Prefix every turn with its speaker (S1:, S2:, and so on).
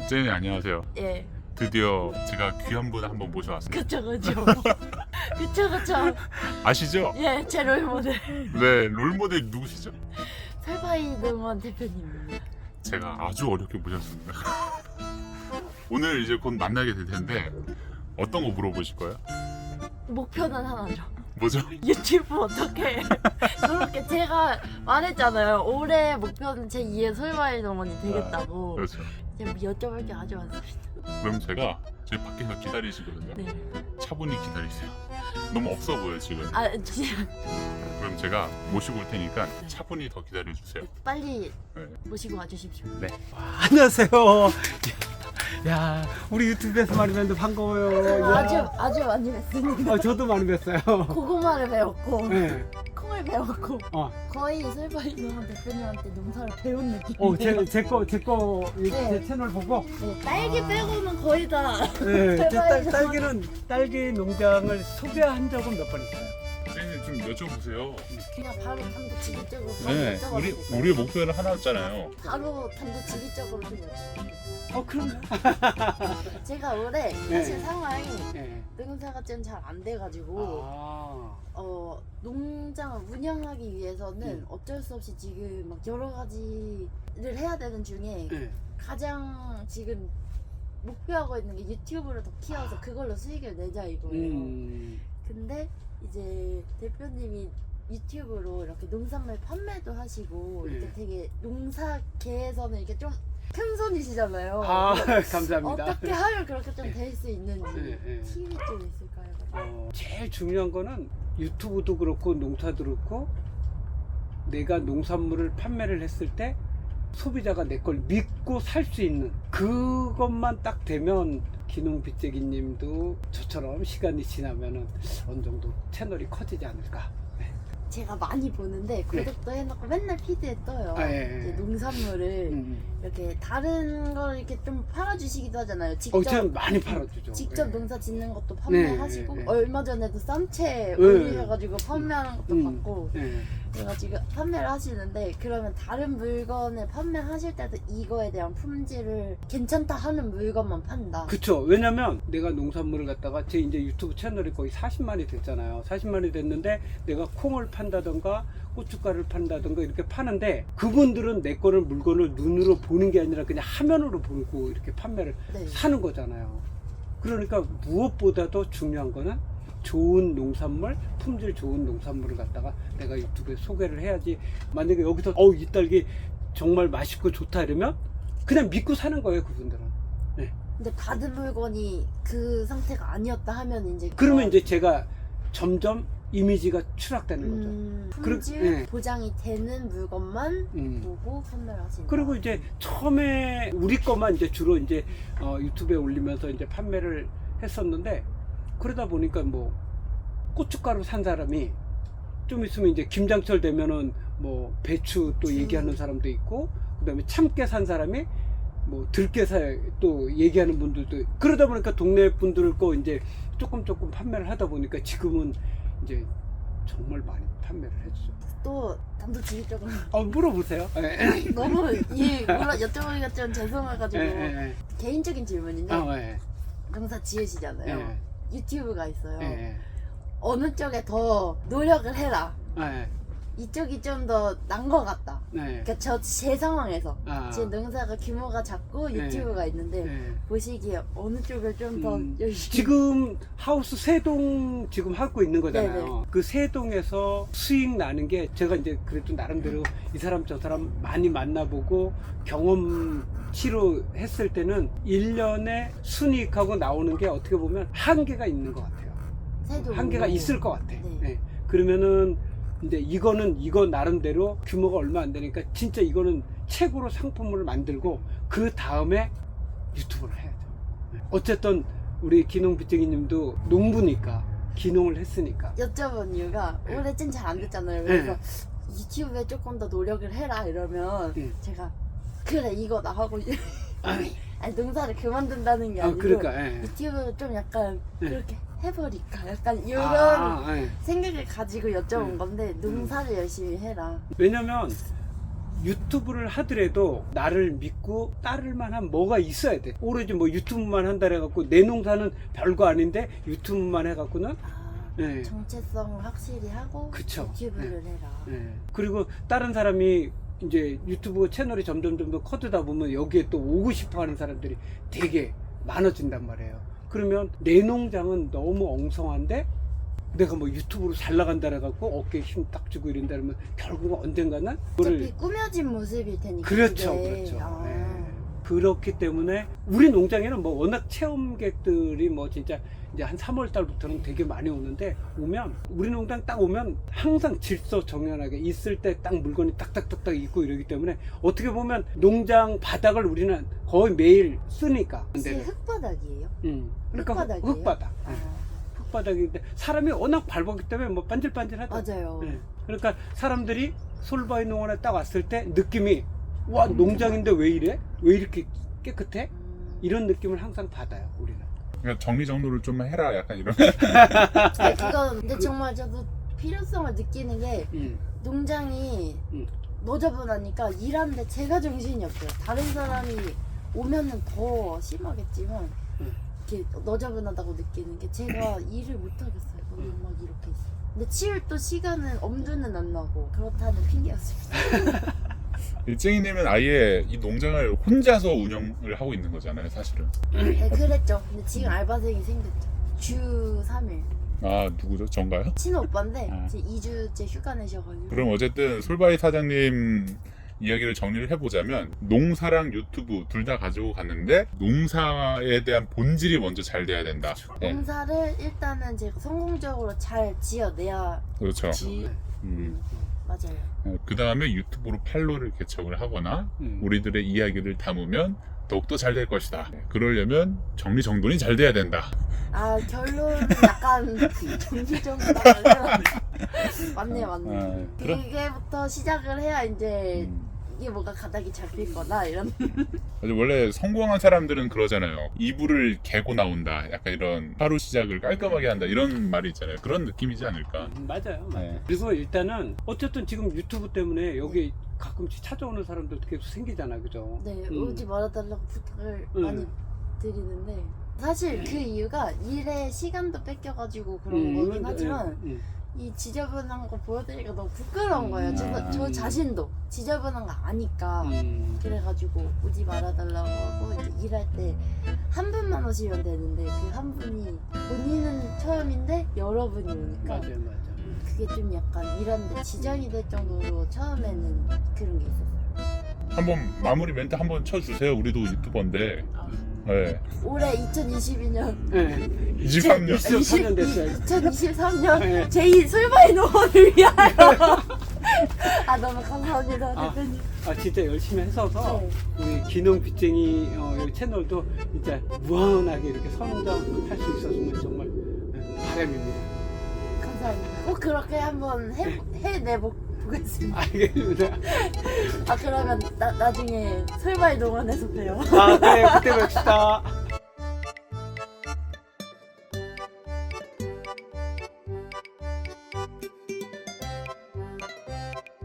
S1: jenny 안녕하세요.
S2: 예.
S1: 드디어 제가 귀한 분 한번 모셔왔습니다.
S2: 그쵸. 그쵸.
S1: 아시죠?
S2: 예, 제 롤모델.
S1: 네, 롤모델 누구시죠?
S2: 설바이드먼 대표님입니다.
S1: 제가 아주 어렵게 모셨습니다. 오늘 이제 곧 만나게 될 텐데 어떤 거 물어보실 거예요?
S2: 목표는 하나죠.
S1: 뭐죠?
S2: 유튜브 어떻게 그렇게 제가 말했잖아요. 올해 목표는 제 2의 설바이드먼이 되겠다고.
S1: 그렇죠.
S2: 제가 여쭤볼 게 아주 많습니다.
S1: 그럼 제가 저희 밖에서 기다리시거든요.
S2: 네.
S1: 차분히 기다리세요. 너무 없어 보여 지금.
S2: 아, 진짜
S1: 그럼 제가 모시고 올 테니까 차분히 더 기다려주세요.
S2: 빨리
S1: 네.
S2: 모시고 와주십시오.
S1: 네.
S3: 안녕하세요. 야, 우리 유튜브에서 많이 뵀는데 반가워요. 야.
S2: 아주 많이 뵀습니다.
S3: 저도 많이 뵀어요.
S2: 고구마를 배웠고
S3: 네.
S2: 콩을 배웠고
S3: 어,
S2: 거의 설바이드먼 대표님한테 농사를 배운 느낌.
S3: 제
S2: 네.
S3: 채널 보고.
S2: 네, 딸기 빼고는 거의 다.
S3: 네, 제
S2: 설바이드먼.
S3: 딸기 농장을 소개한 적은 몇 번 있어요.
S1: jenny 좀 여쭤보세요.
S2: 그냥 바로 단도직입적으로
S1: 네,
S2: 여쭤봐도
S1: 우리의 목표는 하나였잖아요.
S2: 바로 단도직입적으로 좀 여쭤볼게요.
S3: 그럼.
S2: 제가 올해
S3: 네.
S2: 사실 상황이
S3: 네.
S2: 농사가 좀 잘 안 돼가지고
S3: 아,
S2: 농장을 운영하기 위해서는 어쩔 수 없이 지금 막 여러 가지를 해야 되는 중에
S3: 네.
S2: 가장 지금 목표하고 있는 게 유튜브를 더 키워서 그걸로 수익을 내자 이거예요. 근데 이제 대표님이 유튜브로 이렇게 농산물 판매도 하시고
S3: 네.
S2: 이렇게 되게 농사계에서는 이렇게 좀 큰 손이시잖아요.
S3: 아, 감사합니다.
S2: 어떻게 하면 그렇게 좀 될 수 있는지
S3: 네, 네.
S2: 팁이 좀 있을까요?
S3: 제일 중요한 거는 유튜브도 그렇고 농사도 그렇고 내가 농산물을 판매를 했을 때 소비자가 내 걸 믿고 살 수 있는 그것만 딱 되면 기농빚재기님도 저처럼 시간이 지나면은 어느 정도 채널이 커지지 않을까.
S2: 제가 많이 보는데 구독도 해놓고 맨날 피드에 떠요.
S3: 예.
S2: 이제 농산물을 이렇게 다른 걸 이렇게 좀 팔아주시기도 하잖아요.
S3: 전 많이 팔아주죠.
S2: 직접
S3: 예.
S2: 농사 짓는 것도 판매하시고
S3: 네.
S2: 얼마 전에도 쌈채
S3: 네.
S2: 올리셔가지고 판매하는 것도 봤고
S3: 예.
S2: 그래가지고 판매를 하시는데 그러면 다른 물건을 판매하실 때도 이거에 대한 품질을 괜찮다 하는 물건만 판다.
S3: 그쵸. 왜냐면 내가 농산물을 갖다가 제 이제 유튜브 채널이 거의 40만이 됐잖아요. 40만이 됐는데 내가 콩을 판다던가 고춧가루를 판다던가 이렇게 파는데 그분들은 내 거를 물건을 눈으로 보는 게 아니라 그냥 화면으로 보고 이렇게 판매를
S2: 네.
S3: 사는 거잖아요. 그러니까 무엇보다도 중요한 거는 좋은 농산물, 품질 좋은 농산물을 갖다가 내가 유튜브에 소개를 해야지. 만약에 여기서 이 딸기 정말 맛있고 좋다 이러면 그냥 믿고 사는 거예요, 그분들은. 네.
S2: 근데 받은 물건이 그 상태가 아니었다 하면 이제
S3: 그러면 이제 제가 점점 이미지가 추락되는 거죠.
S2: 품질
S3: 네.
S2: 보장이 되는 물건만 보고 판매를 하신다.
S3: 그리고 이제 처음에 우리 것만 이제 주로 이제 유튜브에 올리면서 이제 판매를 했었는데 그러다 보니까 뭐 고춧가루 산 사람이 좀 있으면 이제 김장철 되면은 뭐 배추 또 얘기하는 사람도 있고 그다음에 참깨 산 사람이 뭐 들깨 또 얘기하는 분들도 그러다 보니까 동네 분들 거 이제 조금 판매를 하다 보니까 지금은 이제 정말 많이 판매를 해주죠.
S2: 또 단도직입적으로
S3: 물어보세요.
S2: 너무 여쭤보기가 좀 죄송해가지고 개인적인 질문인데 농사 지으시잖아요. 유튜브가 있어요. 어느 쪽에 더 노력을 해라. 이쪽이 좀 더 난 것 같다. 그러니까 제 상황에서 지금 농사가 규모가 작고 유튜브가 있는데 보시기에 어느 쪽을 좀 더 열심히
S3: 지금 하우스 3동 지금 하고 있는 거잖아요.
S2: 네네.
S3: 그 3동에서 수익 나는 게 제가 이제 그래도 나름대로 이 사람 저 사람 많이 만나보고 경험치로 했을 때는 1년에 순이익하고 나오는 게 어떻게 보면 한계가 있는 것 같아요. 한계가 있을 것 같아.
S2: 네.
S3: 그러면은 이제 이거 나름대로 규모가 얼마 안 되니까 진짜 이거는 최고로 상품을 만들고 그 다음에 유튜브를 해야죠. 어쨌든 우리 기농빚쟁이님도 농부니까 기농을 했으니까
S2: 여쭤본 이유가 올해 좀 잘 안 됐잖아요. 그래서 유튜브에 조금 더 노력을 해라 이러면 제가 그래 이거 나 하고 아니 농사를 그만둔다는 게 아니고
S3: 그러니까
S2: 유튜브 좀 약간 그렇게 해버릴까 약간 이런
S3: 예.
S2: 생각을 가지고 여쭤본 건데 농사를 열심히 해라.
S3: 왜냐면 유튜브를 하더라도 나를 믿고 따를 만한 뭐가 있어야 돼. 오로지 뭐 유튜브만 한다 해갖고 내 농사는 별거 아닌데 유튜브만 해갖고는 네.
S2: 정체성을 확실히 하고
S3: 그쵸.
S2: 유튜브를 해라.
S3: 네. 그리고 다른 사람이 이제 유튜브 채널이 점점 더 커지다 보면 여기에 또 오고 싶어 하는 사람들이 되게 많아진단 말이에요. 그러면 내 농장은 너무 엉성한데 내가 뭐 유튜브로 잘 나간다 해갖고 어깨에 힘 딱 주고 이런다 그러면 결국은 언젠가는
S2: 어차피 꾸며진 모습일 테니까.
S3: 그렇죠,
S2: 그게.
S3: 그렇죠.
S2: 아.
S3: 네. 그렇기 때문에 우리 농장에는 뭐 워낙 체험객들이 뭐 진짜 이제 한 3월 달부터는 되게 많이 오는데 오면 우리 농장 딱 오면 항상 질서 정연하게 있을 때 딱 물건이 딱딱딱딱 있고 이러기 때문에 어떻게 보면 농장 바닥을 우리는 거의 매일 쓰니까.
S2: 혹시 흙바닥이에요?
S3: 그러니까
S2: 흙바닥이에요?
S3: 흙바닥. 네.
S2: 아,
S3: 흙바닥인데 사람이 워낙 밟았기 때문에 뭐 반질반질하다.
S2: 맞아요.
S3: 네. 그러니까 사람들이 솔바이 농원에 딱 왔을 때 느낌이 와 농장인데 왜 이래? 왜 이렇게 깨끗해? 이런 느낌을 항상 받아요 우리는.
S1: 그러니까 정리정돈을 좀 해라 약간 이런.
S2: 아니, 그건 근데 정말 저도 필요성을 느끼는 게 농장이 너저분하니까 일하는데 제가 정신이 없어요. 다른 사람이 오면은 더 심하겠지만 이렇게 너저분하다고 느끼는 게 제가 일을 못 하겠어요. 너무 막 이렇게 있어요. 근데 치울 또 시간은 엄두는 안 나고 그렇다는 핑계였습니다.
S1: 일쟁이님은 아예 이 농장을 혼자서 운영을 하고 있는 거잖아요, 사실은.
S2: 네, 그랬죠. 근데 지금 알바생이 생겼죠. 주 3일.
S1: 아, 누구죠? 전가요?
S2: 친오 오빠인데
S1: 아.
S2: 이제 2주째 휴가 내셔가지고.
S1: 그럼 어쨌든 솔바이 사장님 이야기를 정리를 해보자면 농사랑 유튜브 둘 다 가지고 갔는데 농사에 대한 본질이 먼저 잘 돼야 된다. 네.
S2: 농사를 일단은 제가 성공적으로 잘 지어내야
S1: 그렇죠.
S2: 지. 맞아요.
S1: 그 다음에 유튜브로 팔로를 개척을 하거나 우리들의 이야기를 담으면 더욱더 잘 될 것이다. 그러려면 정리정돈이 잘 돼야 된다.
S2: 아 결론은 약간 정리정돈하면 맞네요.
S1: 그럼?
S2: 그게부터 시작을 해야 이제 이게 뭐가 가닥이 잡힐 거다 이런.
S1: 원래 성공한 사람들은 그러잖아요. 이불을 개고 나온다. 약간 이런 하루 시작을 깔끔하게 한다. 이런 말이 있잖아요. 그런 느낌이지 않을까.
S3: 맞아요.
S1: 네.
S3: 그리고 일단은 어쨌든 지금 유튜브 때문에 여기 가끔씩 찾아오는 사람들도 계속 생기잖아, 그죠?
S2: 네, 오지 말아달라고 부탁을 많이 드리는데 사실 그 이유가 일에 시간도 뺏겨가지고 그런 거긴 하지만 이 지저분한 거 보여드리기가 너무 부끄러운 거예요. 저 자신도 지저분한 거 아니까. 그래가지고 오지 말아달라고 하고 이제 일할 때 한 분만 오시면 되는데 그 한 분이 본인은 처음인데 여러분이 오니까
S3: 맞아요.
S2: 그게 좀 약간 일하는데 지장이 될 정도로 처음에는 그런 게 있었어요.
S1: 한번 마무리 멘트 한번 쳐주세요. 우리도 유튜버인데. 네.
S2: 올해 2022년
S3: 네.
S1: 23년.
S3: 23년 됐어요.
S2: 2023년
S3: 네.
S2: 제2 솔바이 농원을 위하여. 아 너무 감사합니다 대표님.
S3: 아 진짜 열심히 했어서
S2: 네.
S3: 우리 기농 빚쟁이 여기 채널도 진짜 무한하게 이렇게 선정할 수 있었으면 정말 바람입니다.
S2: 감사합니다. 꼭 그렇게 한번 해내보겠습니다.
S3: 알겠습니다.
S2: 아 그러면 나중에 솔바이 농원에서 봬요.
S3: 아 그래요. 그때 뵙시다.